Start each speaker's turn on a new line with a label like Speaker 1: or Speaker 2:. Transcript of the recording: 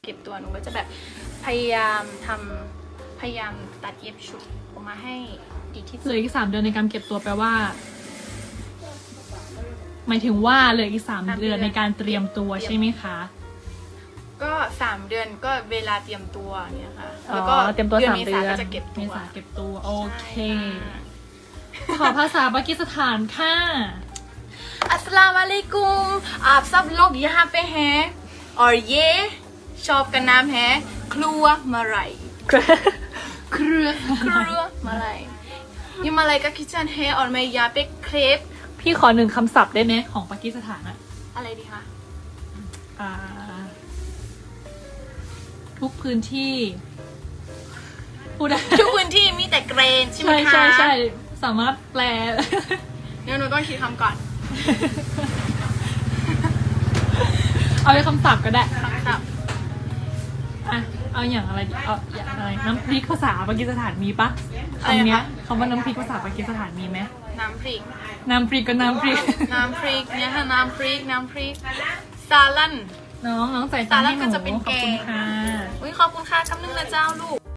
Speaker 1: ก็บตัวหนูก็จะแบบพยายามตัดเย็บชุดออกมาให้ดีที่
Speaker 2: เห
Speaker 1: สุ
Speaker 2: ลื
Speaker 1: ด
Speaker 2: ออีก3 เดือนในการเก็บตัวแปลว่า หมายถึงว่าเหลืออีก3 เดือนในการเตรียมตัวใช่ไหมคะ
Speaker 1: ก็3 เดือนก็เวลาเตรียมตัวเนี่ยค่ะ
Speaker 2: อ๋
Speaker 1: แล้ว
Speaker 2: อ
Speaker 1: ก็
Speaker 2: เตรียมตัว3
Speaker 1: เม
Speaker 2: เดื
Speaker 1: ษา
Speaker 2: อน
Speaker 1: ก็จะเก็บ
Speaker 2: เม
Speaker 1: ตัว
Speaker 2: ษาเก็บตัวโอเค
Speaker 1: ใช่
Speaker 2: ขอภาษาปากีสถานค่ะ
Speaker 1: अस्सलाम वालेकुम आप सब लोग यहाँ पे हैं और ये शॉप का नाम है क्लूआ मलाई
Speaker 2: เครือ
Speaker 1: क्लूआ मलाई ये मलाई का किचन है और मैं यहाँ पे क्रेप
Speaker 2: พี่ขอ1 คำศัพท์ได้ไหมของปากีสถานอะ
Speaker 1: อะไรดีคะ
Speaker 2: อ่า ทุกพื้นที่พูดได้
Speaker 1: ทุกพื้นที่มีแต่เกรนใช่ไหม
Speaker 2: ใช่
Speaker 1: คะ
Speaker 2: ใช่ใช่สามารถแปล
Speaker 1: เดี๋ยวหนูต้องคิดคำก่อน
Speaker 2: เอาเป็นคำศัพท์ก็ได้
Speaker 1: คำศัพท์
Speaker 2: อ่ะ เอาอย่างอะไรดีเอาอย่างอะไรน้ำพริกภาษาปากีสถานมีปะ
Speaker 1: อะไร
Speaker 2: คำเนี้ย
Speaker 1: นะคะ
Speaker 2: คำว่าน้ำพริกภาษาปากีสถานมีไหม
Speaker 1: น้ำพริก
Speaker 2: น้ำพริกก็น้ำพริก
Speaker 1: น้ำพริกเนี่ยค่ะน้ำพริกซาลัน
Speaker 2: น้องใส่ตังค์ให้ห
Speaker 1: สาระก็
Speaker 2: นู
Speaker 1: จะเป็น
Speaker 2: ขอบคุณ
Speaker 1: แกง
Speaker 2: ค่ะ
Speaker 1: อุ้ยขอบคุณค่ะคำนึงนะเจ้าลูก